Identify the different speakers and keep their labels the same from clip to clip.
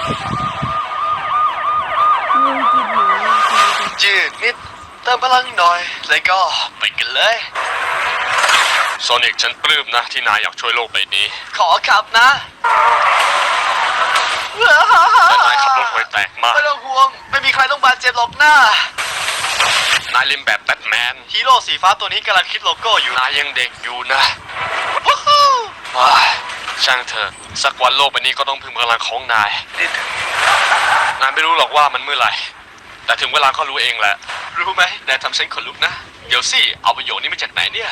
Speaker 1: ยืดนิดเติมพลังหน่อยแล้วก็ไปกันเลยโซนิกฉันปลื้มนะที่นายอยากช่วยโลกใบนี้ขอขับนะแต่นายขับรถห่วยแตกมากไม่ต้องห่วงไม่มีใครต้องบาดเจ็บหรอกนะนายเล่นแบบแบทแมนฮีโร่สีฟ้าตัวนี้กำลังคิดโลโก้อยู่นายยังเด็กอยู่นะว้าช่างเถอะสักวันโลกใบนี้ก็ต้องพึ่งพลังของนายไม่รู้หรอกว่ามันเมื่อไหร่แต่ถึงเวลาก็รู้เองแหละรู้ไหมนายทำฉันขนลุกนะเดี๋ยวสิเอาประโยชน์นี้มาจากไหนเนี่ย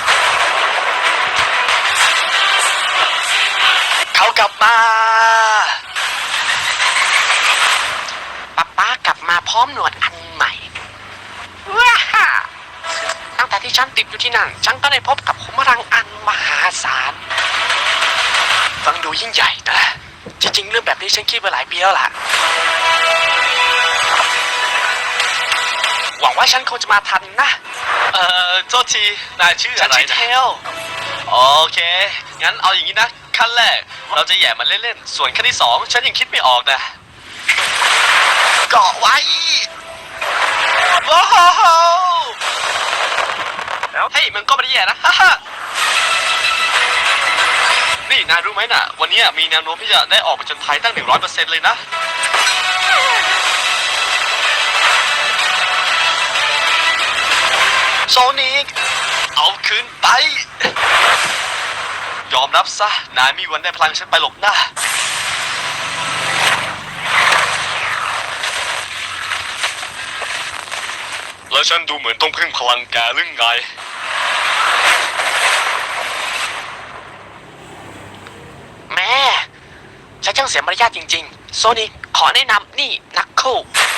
Speaker 1: เขากลับมา
Speaker 2: ป๊ากลับมาพร้อมหนวดอันใหม่ว้าตั้งแต่ที่ฉันติดอยู่ที่นั่นฉันก็ได้พบกับขุมพลังอันมหาศาล
Speaker 1: ฟังดูยิ่งใหญ่นะ
Speaker 2: จริงๆเรื่องแบบนี้ฉันคิดมาหลายปีแล้วล่ะหวังว่าฉันคงจะมาทันนะ
Speaker 1: โทษทีนายชื่ออะไรนะ
Speaker 2: ฉันชื่อเทล
Speaker 1: โอเคงั้นเอาอย่างนี้นะขั้นแรกเราจะแย่มันเล่นๆส่วนขั้นที่2ฉันยังคิดไม่ออกนะเกาะไว้ว้าวเฮ้ยมันก็ไม่ได้แย่นะนี่นายรู้ไหมน่ะวันนี้มีแนวโน้มที่จะได้ออกไปจนภัยตั้ง 100% เลยนะโซนิกเอาคืนไปยอมรับซะนายมีวันได้พลังฉันไปหลบหน้าแล้วฉันดูเหมือนต้องพึ่งพลังแกหรือไง
Speaker 2: แม่ฉันช่างเสียมารยาทจริงๆโซนิกขอแนะนำนี่นักโค